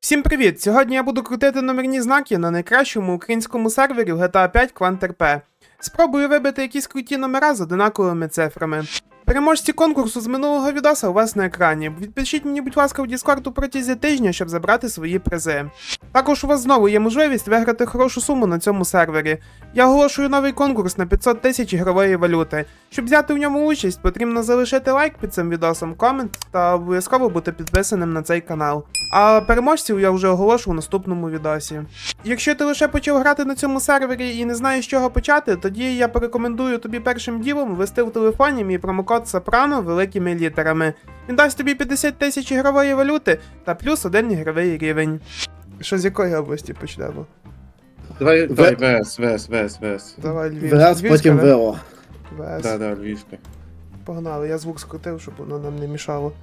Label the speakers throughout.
Speaker 1: Всім привіт! Сьогодні я буду крутити номерні знаки на найкращому українському сервері в GTA 5 QuantRP. Спробую вибити якісь круті номера з одинаковими цифрами. Переможці конкурсу з минулого відоса у вас на екрані. Відпишіть мені, будь ласка, в Discord у протязі тижня, щоб забрати свої призи. Також у вас знову є можливість виграти хорошу суму на цьому сервері. Я оголошую новий конкурс на 500 тисяч ігрової валюти. Щоб взяти в ньому участь, потрібно залишити лайк під цим відосом, комент та обов'язково бути підписаним на цей канал. А переможців я вже оголошу в наступному відосі. Якщо ти лише почав грати на цьому сервері і не знаєш, з чого почати, тоді я порекомендую тобі першим ділом ввести в телефоні мій промокод Сопрано великими літерами. Він дасть тобі 50 тисяч ігрової валюти та плюс 1 ігровий рівень. Що з якої області почнемо?
Speaker 2: Давай ВС.
Speaker 1: Давай Львів.
Speaker 3: ВС, потім
Speaker 1: да?
Speaker 3: ВО.
Speaker 1: ВС.
Speaker 2: Да, Львівська.
Speaker 1: Погнали, я звук скрутив, щоб воно нам не мішало.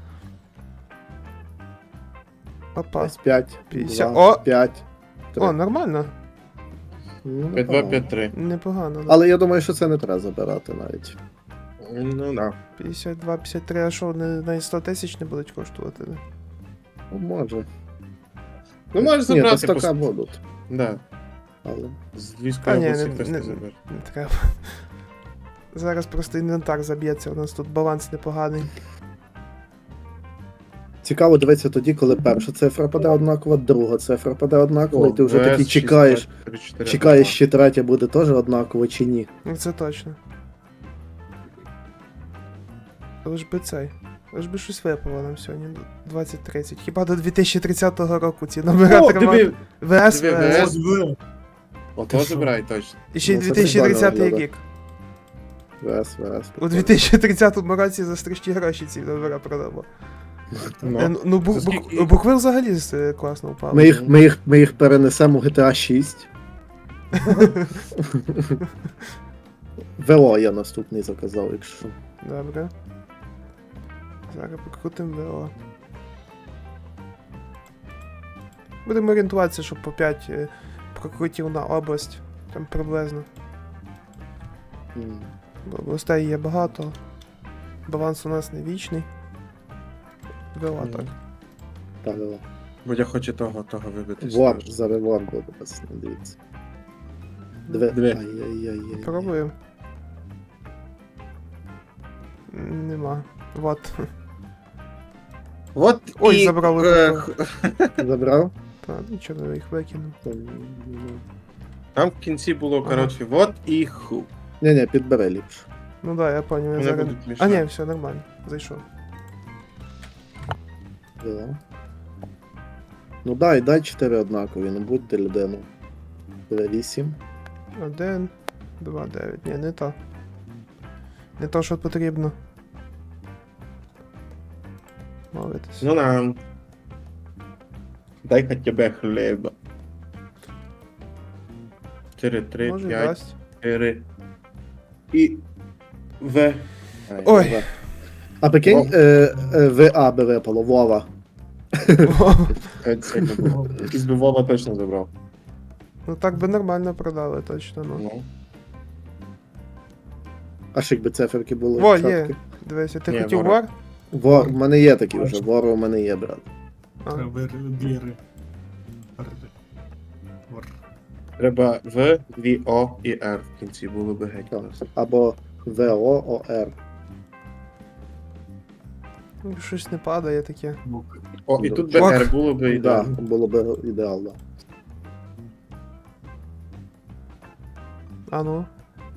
Speaker 1: Опа.
Speaker 3: Ось 5,
Speaker 1: 50.
Speaker 3: 2,
Speaker 1: О!
Speaker 3: 5, 3.
Speaker 1: О, нормально.
Speaker 2: 5-2, 5-3.
Speaker 1: Непогано. Да.
Speaker 3: Але я думаю, що це не треба забирати навіть.
Speaker 2: Ну да.
Speaker 1: 52, 53, а що, не 100 тисяч не будуть коштувати? Да?
Speaker 3: Ну, може.
Speaker 2: Ну можеш
Speaker 3: Ні,
Speaker 2: забрати.
Speaker 3: то стака будуть.
Speaker 2: Да.
Speaker 3: Але...
Speaker 2: З
Speaker 1: Та
Speaker 2: Львівської
Speaker 1: ні,
Speaker 2: області
Speaker 1: не-
Speaker 2: хтось
Speaker 1: не-
Speaker 2: не забере.
Speaker 1: Не треба. Зараз просто інвентар заб'ється, у нас тут баланс непоганий.
Speaker 3: Цікаво дивитися тоді, коли перша цифра паде однакова, друга цифра паде однакова, і ти вже такий чекаєш, чи третя буде теж однакова, чи ні.
Speaker 1: Ну це точно. Лиш би цей. Лиш би щось випало нам сьогодні. 2030. Хіба до 2030 року ці номера
Speaker 2: О,
Speaker 1: тримати?
Speaker 2: диви!
Speaker 1: ВС,
Speaker 2: Диви,
Speaker 1: ВС.
Speaker 2: Ото
Speaker 3: Ти що?
Speaker 2: забирай точно.
Speaker 1: І ще й
Speaker 3: Ну, це
Speaker 1: 2030
Speaker 3: прикольно
Speaker 1: рік.
Speaker 3: ВС.
Speaker 1: У 2030 році за страшні гроші ці номера продамо. Ну,
Speaker 2: За скільки?
Speaker 1: букви взагалі класно впали.
Speaker 3: Ми їх перенесемо в GTA 6. ВО я наступний заказав, якщо.
Speaker 1: Добре. Зараз покрутимо ВО. Будемо орієнтуватися, щоб по 5 прокрутів на область. Там приблизно. Бо областей є багато. Баланс у нас не вічний. ВО так.
Speaker 3: Так, ВО.
Speaker 2: Бо я хочу того вибити.
Speaker 3: Вор, зараз вор буде, пацани, дивіться.
Speaker 2: Диви.
Speaker 3: Ай-яй-яй.
Speaker 1: Пробуємо. Нема. Вот.
Speaker 2: От
Speaker 1: Ой,
Speaker 2: і...
Speaker 1: забрали.
Speaker 3: Забрав?
Speaker 1: Та, нічого, я їх викинув.
Speaker 2: Там в кінці було, коротше, вот і ху.
Speaker 3: Ні, підбери ліпше.
Speaker 1: Ну да, я понял, я
Speaker 2: Вони
Speaker 1: зараз...
Speaker 2: будуть
Speaker 1: А
Speaker 2: мішати.
Speaker 1: ні, все, нормально. Зайшов.
Speaker 3: Да. Ну дай 4 однакові, ну будьте людину. 8.
Speaker 1: 1, 2, 9. Ні, не то. Не то, що потрібно. Мовитись.
Speaker 2: Ну нам. Дай хоча б хліба. 4, 3,
Speaker 1: Може,
Speaker 2: 5,
Speaker 1: дасть.
Speaker 2: 4. І... В.
Speaker 1: Ой.
Speaker 3: А прикинь, ВА би випало, Вова.
Speaker 2: Це не було. Із Вова точно забрав.
Speaker 1: Ну так би нормально продали, точно, ну.
Speaker 2: Ну.
Speaker 3: А ж якби циферки були.
Speaker 1: Во,
Speaker 3: чіткі.
Speaker 1: є. Дивися, ти
Speaker 2: Ні,
Speaker 1: хотів
Speaker 2: ворог.
Speaker 1: вор?
Speaker 3: В мене є такі вже, вор у мене є, брат.
Speaker 1: А.
Speaker 2: Треба В, В, О і Р в кінці було би геть.
Speaker 3: Так. Або ВООР.
Speaker 1: Ну, щось не падає таке.
Speaker 2: О, і тут би
Speaker 1: Ок.
Speaker 2: Р було би
Speaker 3: Так,
Speaker 2: ідеально.
Speaker 3: було б ідеально.
Speaker 1: А ну.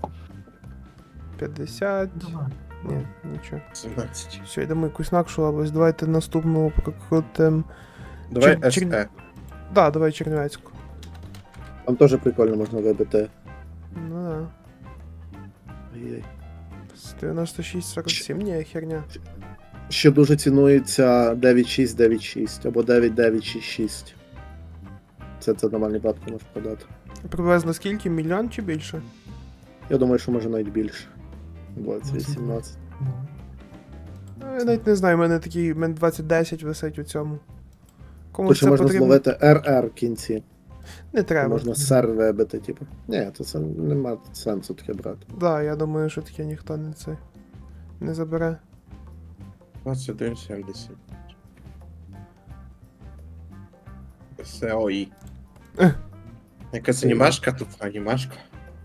Speaker 1: 50. Ні, нічого.
Speaker 2: 17.
Speaker 1: Все, йдемо якусь інакшу область. Давайте наступну прокрутим.
Speaker 2: Давай
Speaker 1: Чер-
Speaker 2: СЕ.
Speaker 1: Да, давай Чернівецьку.
Speaker 3: Там теж прикольно можна вибити.
Speaker 1: Ну да.
Speaker 3: Ай-яй.
Speaker 1: З 96-47, ні, херня.
Speaker 3: Ще дуже цінується 9696 або 9966. Це нормальні бабки можеш продати.
Speaker 1: Приблизно скільки? Мільйон чи більше?
Speaker 3: Я думаю, що може навіть більше. 20-18.
Speaker 1: Ну, я навіть не знаю, у мене такий, у мене 2010 висить у цьому. Кому
Speaker 3: Тут ще
Speaker 1: це
Speaker 3: можна
Speaker 1: потрібно?
Speaker 3: зловити РР в кінці.
Speaker 1: Не треба.
Speaker 3: Можна сер вибити, типу. Ні, то це нема сенсу таке брати.
Speaker 1: Да, я думаю, що таке ніхто не забере.
Speaker 2: 21, 70. Сеой.
Speaker 1: Ех.
Speaker 2: Якась анімашка тут, анімашка.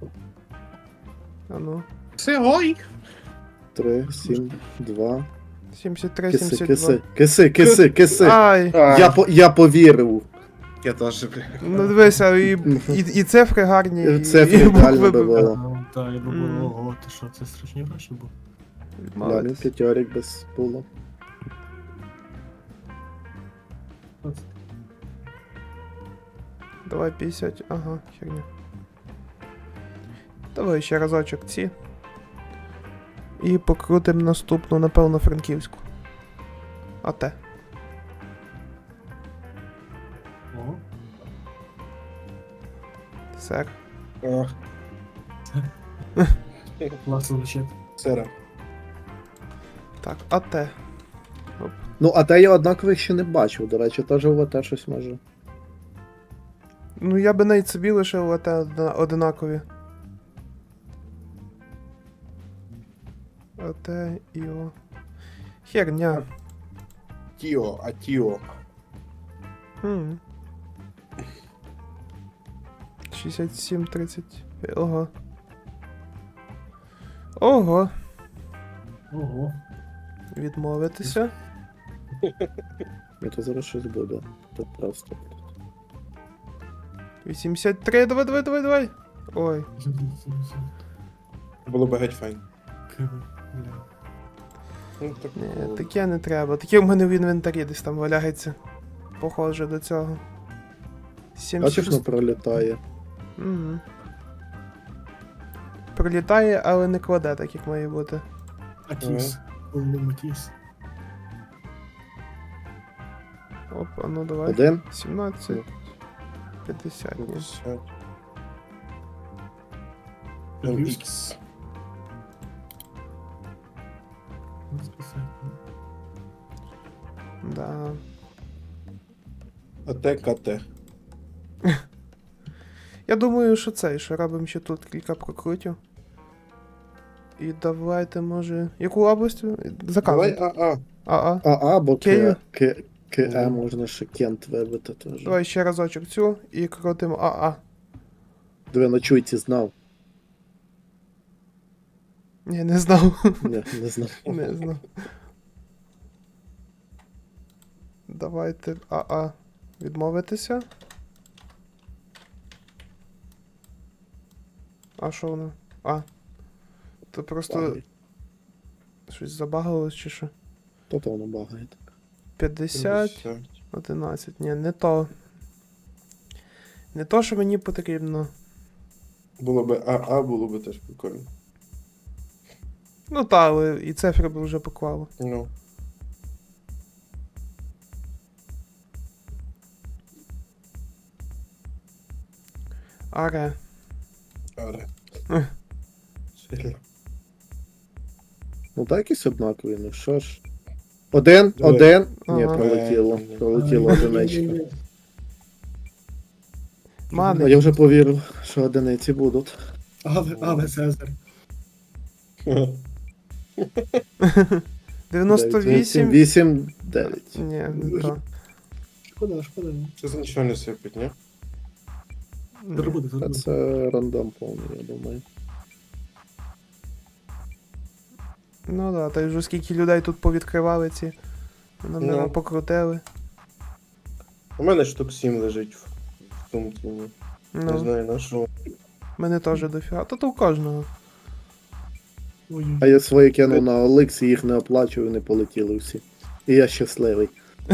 Speaker 1: А ну.
Speaker 2: Сеой.
Speaker 3: 3, 7, 2.
Speaker 1: 73,
Speaker 3: Киси,
Speaker 1: 72.
Speaker 3: киси.
Speaker 1: Ай!
Speaker 3: Я повірив.
Speaker 2: Я теж, бля.
Speaker 1: Ну дивися, і цифри гарні,
Speaker 3: Цифри
Speaker 1: і
Speaker 3: ідеально
Speaker 1: букви
Speaker 3: би було.
Speaker 4: Так, я би
Speaker 1: Мгм.
Speaker 4: було, ого, ти що, це страшні гроші були?
Speaker 3: Да, він п'ятьорік без було.
Speaker 1: Давай 50, ага, херня. Давай ще разочок ці. І покрутим наступну, напевно, франківську. А те.
Speaker 4: О,
Speaker 1: Сер.
Speaker 2: Ох,
Speaker 4: класно звучить.
Speaker 2: сера.
Speaker 1: Так, а те.
Speaker 3: Ну, а те я однакових ще не бачив, до речі, теж у АТ щось може.
Speaker 1: Ну я би навіть собі лишив АТ одинакові. АТ і О. Херня.
Speaker 2: Тіо, а Тіо.
Speaker 1: Хм. 67-30. Ого. Ого.
Speaker 4: Ого.
Speaker 1: Відмовитися.
Speaker 3: І то зараз щось буде. Тут просто.
Speaker 1: 83, давай. Ой.
Speaker 2: Було б геть файн.
Speaker 4: Бля.
Speaker 2: Ну, так,
Speaker 1: Ні, таке не треба. Таке в мене в інвентарі десь там валяється. Похоже до цього.
Speaker 3: Бачиш,
Speaker 1: 76.
Speaker 3: ну пролітає.
Speaker 1: Угу. Пролітає, але не кладе, так як має бути.
Speaker 4: Атіс. Повним Атіс.
Speaker 1: Оп, а ну давай.
Speaker 3: 1.
Speaker 1: 17. 50. Ні.
Speaker 2: 50.
Speaker 4: Львівський.
Speaker 2: Ікс.
Speaker 1: Да.
Speaker 2: АТ, КТ.
Speaker 1: Я думаю, що це, що робимо ще тут кілька прокрутів. І давайте, може. Яку область?
Speaker 2: Давай
Speaker 1: Заказуй.
Speaker 2: АА.
Speaker 1: А.
Speaker 3: Або
Speaker 1: Київ.
Speaker 3: КЕ можна ще Кент вибити теж.
Speaker 1: Давай ще разочок цю і крутимо АА.
Speaker 3: Диви, на чуйці знав.
Speaker 1: Ні, не знав.
Speaker 3: Ні, не знав.
Speaker 1: Не знав. Давайте АА відмовитися. А що воно? А. То просто щось забагалось чи що?
Speaker 3: То воно багає так.
Speaker 1: 50, 11. Ні, не то. Не то, що мені потрібно.
Speaker 2: Було б АА, було б теж прикольно.
Speaker 1: Ну та, але і цифри б вже поклало.
Speaker 2: Ну.
Speaker 1: Аре.
Speaker 2: Аре.
Speaker 1: Ех.
Speaker 2: Сильно.
Speaker 3: Ну так якісь однакові, ну що ж. 1. Ні,
Speaker 1: Ага.
Speaker 3: пролетіло. Пролетіло одиничка. А
Speaker 1: Мани.
Speaker 3: я вже повірив, що одиниці будуть.
Speaker 4: Але Цезар.
Speaker 1: 98.
Speaker 3: 8, 9.
Speaker 1: Ні, не то.
Speaker 4: Шкода.
Speaker 2: Це за нічого не сипить, ні?
Speaker 4: Зараз буде,
Speaker 3: Та
Speaker 4: зараз буде.
Speaker 3: це рандом повний, я думаю.
Speaker 1: Ну да, та й вже скільки людей тут повідкривали ці. Номера
Speaker 2: Ну.
Speaker 1: покрутили.
Speaker 2: У мене штук 7 лежить в сумці. ні. Не
Speaker 1: Ну,
Speaker 2: знаю на що.
Speaker 1: мене теж дофіга. То у кожного.
Speaker 4: Ой,
Speaker 3: А я свої кинув на OLX, і їх не оплачую, не полетіли всі. І я щасливий.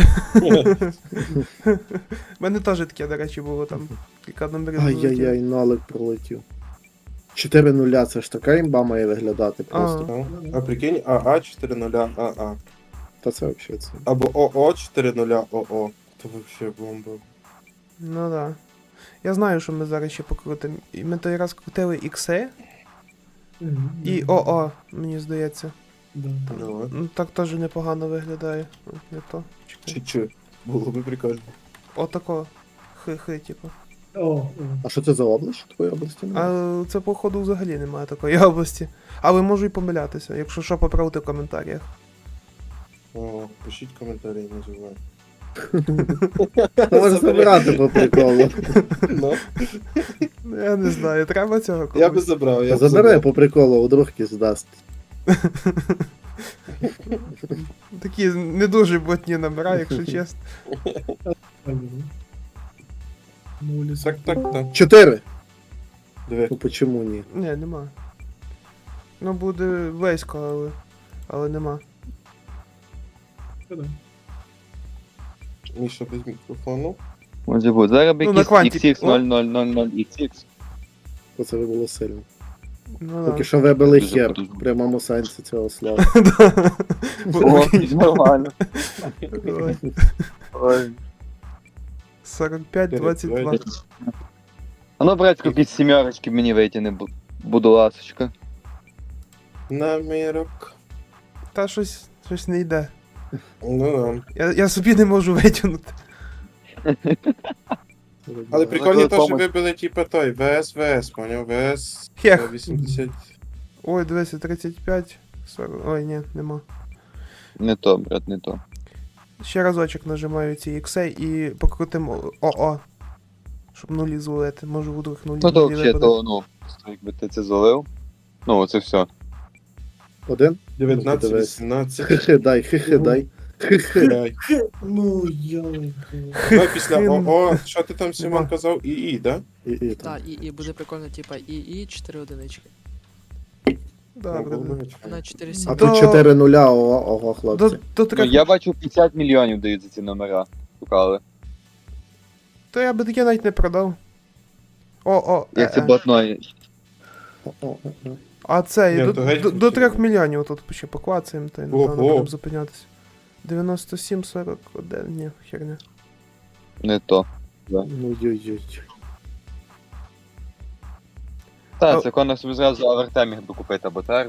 Speaker 1: У мене теж таке, до речі, було там кілька номерів.
Speaker 3: Ай-яй-яй, налик пролетів. 4 нуля, це ж така імба має виглядати просто.
Speaker 2: Ну, а прикинь, АА 4.0 АА.
Speaker 3: Та це взагалі це.
Speaker 2: Або ОО 4.0 ОО. То вообще бомба.
Speaker 1: Ну да. Я знаю, що ми зараз ще покрутимо. І ми той раз крутили ікси і ОО, мені здається.
Speaker 4: Да.
Speaker 2: Давай.
Speaker 1: Ну так теж непогано виглядає. Не то. Чекай.
Speaker 2: Чи. Було би прикольно.
Speaker 1: Отако. Хи-хи, типу.
Speaker 4: О,
Speaker 3: А що це за область? Твоєї області немає?
Speaker 1: А це, походу, взагалі немає такої області. Але можу і помилятися, якщо що, поправте в коментарях.
Speaker 2: О, пишіть коментарі, називай.
Speaker 3: Ти можеш забирати по приколу.
Speaker 2: Ну,
Speaker 1: Я не знаю, треба цього
Speaker 2: я би
Speaker 1: комусь.
Speaker 2: забрав, я б
Speaker 3: Забери
Speaker 2: забрав.
Speaker 3: по приколу, вдруг якийсь дасть.
Speaker 1: Такі не дуже ботні номера, якщо чесно.
Speaker 2: Так.
Speaker 3: 4.
Speaker 2: Диви.
Speaker 3: Ну почему ні?
Speaker 1: Ні, нема. Ну буде близько, але нема.
Speaker 2: Міша без мікрофону.
Speaker 5: Може бути. Зараз би
Speaker 1: Ну, на
Speaker 5: якийсь
Speaker 1: квантик.
Speaker 5: XX0000XX.
Speaker 3: Оце би було сильно.
Speaker 1: Ну,
Speaker 3: Поки що вибили
Speaker 5: Дуже
Speaker 3: хер
Speaker 5: потужно.
Speaker 3: в прямому сенсі цього слова.
Speaker 5: О, нормально.
Speaker 1: Ой,
Speaker 5: Ой.
Speaker 1: 45-22.
Speaker 5: А ну, братську, якісь сімерочки мені витягни, буду ласочка.
Speaker 2: Намірок.
Speaker 1: Та щось не йде.
Speaker 2: Ну да.
Speaker 1: Я собі не можу витягнути.
Speaker 2: Але прикольно
Speaker 5: коли
Speaker 2: те, що
Speaker 5: комусь-
Speaker 2: вибили типа той ВС, поняв? ВС
Speaker 1: Хех.
Speaker 2: 80.
Speaker 1: Ой, 235. 40. Ой, ні, нема.
Speaker 5: Не то, брат, не то.
Speaker 1: Ще разочок нажимаю ці ікси і покрутимо ОО. Щоб нулі зловити. Може вдруг нулі.
Speaker 5: Ну то
Speaker 1: нулі
Speaker 5: взагалі,
Speaker 1: випадуть.
Speaker 5: то, ну, просто якби ти це залив. Ну, це все.
Speaker 3: 1?
Speaker 2: 19,
Speaker 3: Дивись.
Speaker 2: 18.
Speaker 3: Хи-хи дай, хи-хи дай. Хи-хи.
Speaker 2: Дай.
Speaker 4: Ну, йой.
Speaker 2: Ну, після ОО, що ти там, Симон,
Speaker 1: Нема.
Speaker 2: казав? ІІ, да?
Speaker 3: І там.
Speaker 6: Так, і буде прикольно, типа ІІ 4 одинички.
Speaker 1: Добре.
Speaker 6: На 4
Speaker 3: А
Speaker 6: 7.
Speaker 3: тут 4 нуля, ого, хлопці.
Speaker 1: До
Speaker 5: Ну,
Speaker 1: 3.
Speaker 5: я бачу 50 мільйонів дають за ці номера. Шукали.
Speaker 1: То я би таке навіть не продав. О,
Speaker 5: Як це блатної.
Speaker 3: О.
Speaker 1: А це
Speaker 2: Ні,
Speaker 1: до,
Speaker 2: то геть
Speaker 1: до 3
Speaker 2: хотів.
Speaker 1: мільйонів тут ще поклацаємо, то напевно
Speaker 2: Ого.
Speaker 1: будемо зупинятися. 97-41, ні, херня.
Speaker 5: Не то.
Speaker 3: Ну йой-йой.
Speaker 5: Так,
Speaker 1: А-
Speaker 5: це Конор собі зразу Авертем міг би купити, або так.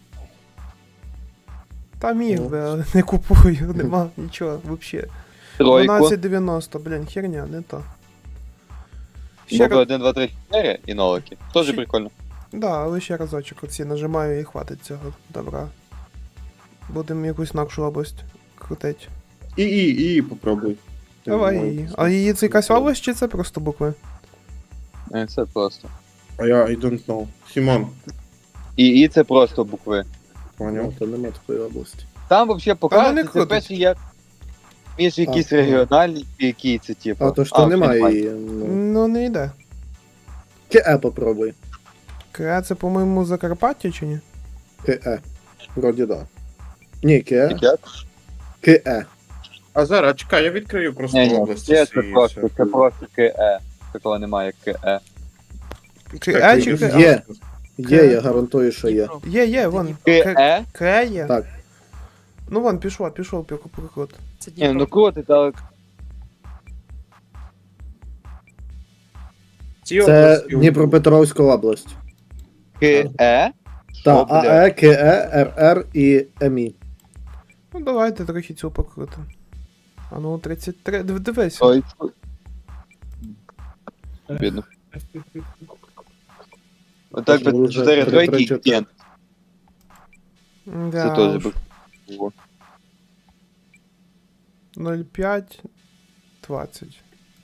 Speaker 1: Та міг
Speaker 2: Ну.
Speaker 1: би, але не купую, нема нічого, взагалі.
Speaker 5: Тройку.
Speaker 1: 12,90, блін, херня, не то. Ще
Speaker 5: Моби
Speaker 1: раз,
Speaker 5: 1, 2, 3, 4 і нолики. Тоже
Speaker 1: Ще-
Speaker 5: прикольно.
Speaker 1: да, але ще разочок оці нажимаю і хватить цього добра. Будемо якусь інакшу область крутить.
Speaker 2: ІІ, попробуй.
Speaker 1: Давай її. А її це якась область чи це просто букви?
Speaker 5: Це просто.
Speaker 2: А я I don't know. Симон,
Speaker 5: І це просто букви.
Speaker 3: Ну,
Speaker 2: поняв?
Speaker 3: то нема такої області.
Speaker 5: Там взагалі
Speaker 1: не
Speaker 5: показується, це
Speaker 1: крутить.
Speaker 5: перший як між якісь
Speaker 3: А,
Speaker 5: регіональні, які це типу.
Speaker 3: А то ж то
Speaker 5: вже
Speaker 3: немає її. Ну.
Speaker 1: Ну не йде.
Speaker 3: КЕ попробуй.
Speaker 1: Креа це, по-моєму, Закарпаття чи ні?
Speaker 3: КЕ. Вроді да. Ні, КЕ.
Speaker 5: Як?
Speaker 3: КЕ.
Speaker 2: А зараз, чекай, я відкрию просто
Speaker 5: Ні,
Speaker 2: області.
Speaker 5: це
Speaker 2: всі і
Speaker 5: просто,
Speaker 2: все.
Speaker 5: це просто КЕ. Такого немає, як КЕ.
Speaker 1: Креа чи Креа?
Speaker 3: Є. Є, я гарантую, що є.
Speaker 1: Є, вон.
Speaker 5: КЕ?
Speaker 1: Креа є.
Speaker 3: Так.
Speaker 1: Ну вон, пішов прикрут.
Speaker 6: Це
Speaker 5: Ні, ну
Speaker 6: Дніпро.
Speaker 5: круто, так.
Speaker 2: Ці
Speaker 3: Це
Speaker 2: області-
Speaker 3: Дніпропетровська область.
Speaker 5: КЕ?
Speaker 3: Та
Speaker 5: Що, блядь?
Speaker 3: АЕ, КЕ, РР і МІ.
Speaker 1: Ну давайте трохи цю покрутимо. А ну 33. Дивись.
Speaker 5: Ой, бідно. Отак
Speaker 3: Це
Speaker 5: би
Speaker 3: вже
Speaker 5: 4 тройки і
Speaker 3: 3-4.
Speaker 5: кент.
Speaker 1: Да,
Speaker 5: Це теж
Speaker 1: уж.
Speaker 5: би. було.
Speaker 1: 0,5, 20.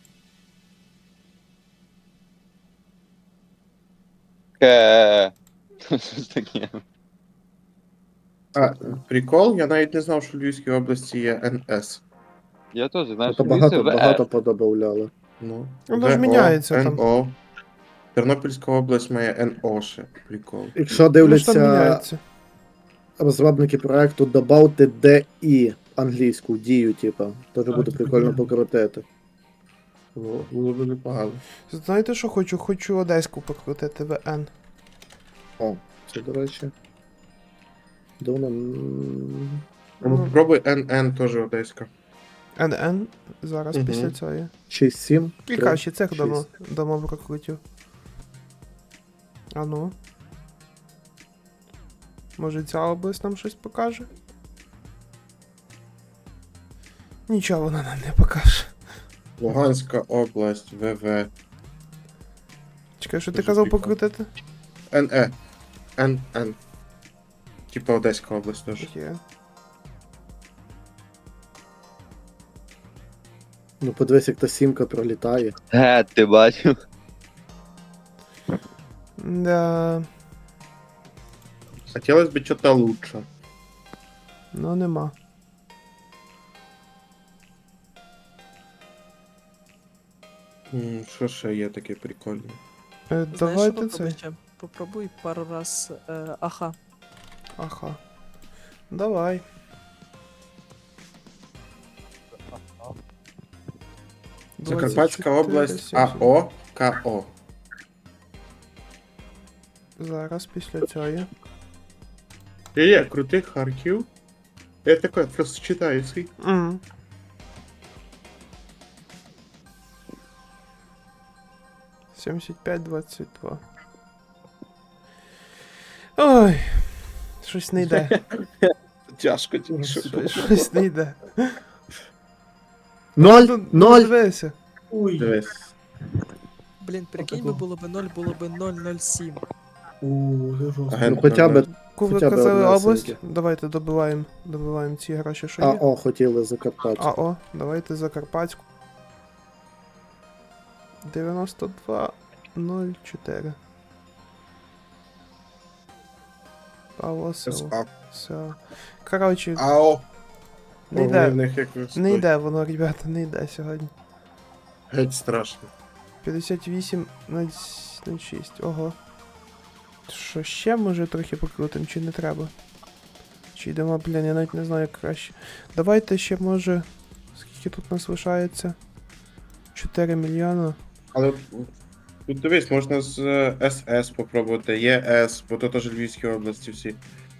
Speaker 5: КЕ. Що ж таке?
Speaker 2: А, прикол, я навіть не знав, що в Львівській області є НС.
Speaker 5: Я теж, знаєш,
Speaker 3: То
Speaker 5: дивився
Speaker 3: багато,
Speaker 5: в
Speaker 3: багато подобавляли.
Speaker 2: Ну,
Speaker 1: Воно ж міняється там.
Speaker 2: НО. Тернопільська область має НО ще. Прикол.
Speaker 3: Якщо
Speaker 1: Ну, ж там
Speaker 3: дивляться
Speaker 1: міняється.
Speaker 3: розробники проекту, добавте DI англійську дію, типа. Теж
Speaker 4: Так,
Speaker 3: буде
Speaker 4: так,
Speaker 3: прикольно
Speaker 4: так.
Speaker 3: покрутити.
Speaker 2: Було б непогано.
Speaker 1: Знаєте, що хочу? Хочу Одеську покрутити ВН.
Speaker 3: О, це, до речі. Давно.
Speaker 1: Ну,
Speaker 2: Пробуй НН теж одеська.
Speaker 1: НН зараз
Speaker 2: Мгм.
Speaker 1: після цього.
Speaker 3: 6-7.
Speaker 1: Кілька ще цих
Speaker 3: 6.
Speaker 1: дамо прокрутів. А ну. Може ця область нам щось покаже? Нічого вона нам не покаже.
Speaker 2: Луганська область, ВВ.
Speaker 1: Чекай, що ти
Speaker 2: Дуже
Speaker 1: казав
Speaker 2: прикольно.
Speaker 1: покрутити?
Speaker 2: НЕ. НН. Типа Одеська область теж.
Speaker 1: Є.
Speaker 3: Ну подивись, як та сімка пролітає.
Speaker 5: Ти бачив?
Speaker 1: Да,
Speaker 2: Хотілося б чого-то лучше.
Speaker 1: ну нема.
Speaker 2: Що ще є таке прикольне?
Speaker 6: Знаєш, що
Speaker 1: Давайте
Speaker 6: попробуй
Speaker 1: це.
Speaker 6: ще? Попробуй пару раз аха.
Speaker 1: Ага. Давай.
Speaker 2: Закарпатська
Speaker 1: 24,
Speaker 2: область
Speaker 1: 70.
Speaker 2: АО КО.
Speaker 1: Зараз після цього.
Speaker 2: Є, крутий Харків. Я такой просто читаю свій.
Speaker 1: Угу. Сімдесят п'ять, 22. Ой. Щось не йде.
Speaker 2: Тяжко тільки що.
Speaker 1: Щось не йде.
Speaker 3: Ноль!
Speaker 1: Ну,
Speaker 3: Ноль!
Speaker 1: Дивися.
Speaker 4: Ой.
Speaker 2: Дивись.
Speaker 6: Блін, прикинь би було б 0, було б 007.
Speaker 4: О, це жорстко.
Speaker 2: Агент
Speaker 3: Ну хоча б
Speaker 2: 00.
Speaker 1: Коли
Speaker 3: Хоча б
Speaker 1: казали
Speaker 3: одна
Speaker 1: область,
Speaker 3: синька.
Speaker 1: давайте добиваємо ці гроші, що є.
Speaker 3: АО хотіли Закарпаття.
Speaker 1: АО, давайте Закарпатську. 9204. Павло село.
Speaker 2: СА.
Speaker 1: Все. Коротше,
Speaker 2: АО.
Speaker 1: не
Speaker 2: Ого, в
Speaker 1: йде.
Speaker 2: них як
Speaker 1: Не йде воно, ребята, не йде сьогодні.
Speaker 2: Геть страшно.
Speaker 1: 58,06. Ого. Що ще може трохи покрутим, чи не треба? Чи йдемо, блін, я навіть не знаю як краще. Давайте ще може. Скільки тут нас лишається? 4 мільйона.
Speaker 2: Але тут дивись, можна з СС попробувати, ЄС, бо то теж Львівські області всі.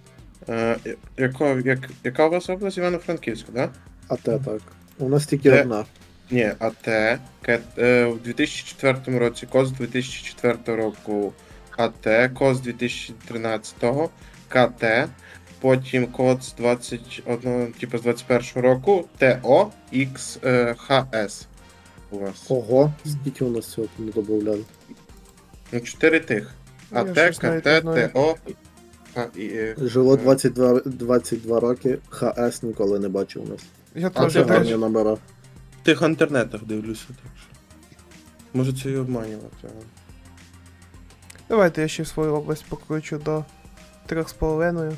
Speaker 2: Яка у вас область? Івано-Франківська, да?
Speaker 3: АТ так. У нас тільки
Speaker 2: Де?
Speaker 3: одна.
Speaker 2: Ні, АТ. В 2004 році, КОС 2004 року АТ, КОС 2013, КТ, потім КОЦ 21, типу з 21 року, ТО, ХС у вас.
Speaker 3: Ого, скільки у нас цього не додавали.
Speaker 2: Ну, 4 тих.
Speaker 1: Я
Speaker 2: АТ,
Speaker 1: щось навіть не
Speaker 2: КТ,
Speaker 1: знаю.
Speaker 2: ТО,
Speaker 3: Жило 22 роки, ХС ніколи не бачив у нас.
Speaker 1: Я
Speaker 2: А
Speaker 1: теж
Speaker 2: це
Speaker 3: Гарні
Speaker 1: теж.
Speaker 3: номера.
Speaker 2: В тих інтернетах дивлюся, так що. Може це і обманювати. але-
Speaker 1: Давайте я ще свою область покручу до 3,5.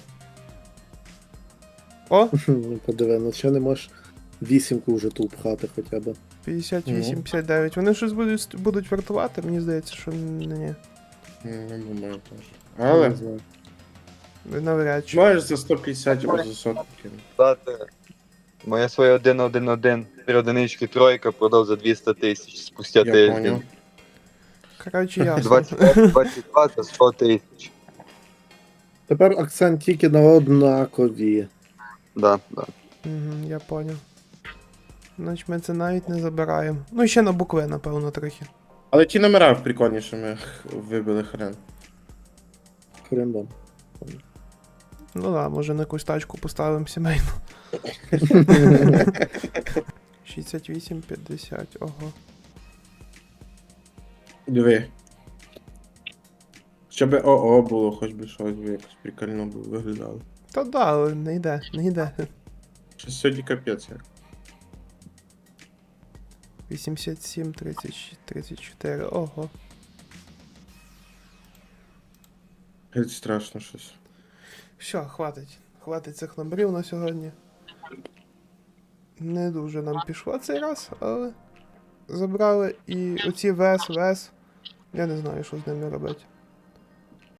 Speaker 1: О!
Speaker 3: Ну, подиви, ну ще не можеш вісімку вже ту пхати хоча б.
Speaker 1: 58-59. Вони щось будуть вартувати, мені здається, що ні.
Speaker 2: Ну, думаю, теж. Але
Speaker 3: Не знаю.
Speaker 1: Навряд чи.
Speaker 2: маєш за 150 або за сотку кинути.
Speaker 5: Дати. Моя своя 1-1-1, 3 одинички, тройка, продав за 200 тисяч спустя
Speaker 2: Я
Speaker 5: тиждень.
Speaker 2: поняв.
Speaker 1: Коротше, ясно.
Speaker 5: 22 за 100 тисяч.
Speaker 3: Тепер акцент тільки на однакові.
Speaker 5: Да.
Speaker 1: Угу, я поняв. Значить ми це навіть не забираємо. Ну ще на букви, напевно, трохи.
Speaker 2: Але ті номера прикольнішими вибили хрен.
Speaker 3: Хрендом.
Speaker 1: Ну да, може на якусь тачку поставимо сімейну. 68-50, ого.
Speaker 2: Диви. Щоб ОО було, хоч би щось би якось прикольно було виглядало.
Speaker 1: Та да, але не йде, не йде.
Speaker 2: Щось сьогодні капець. як.
Speaker 1: 87, 30, 34, ого.
Speaker 2: Геть страшно щось.
Speaker 1: Все, хватить. Хватить цих номерів на сьогодні. Не дуже нам пішло цей раз, але забрали і оці ВС. Я не знаю, що з ними робити.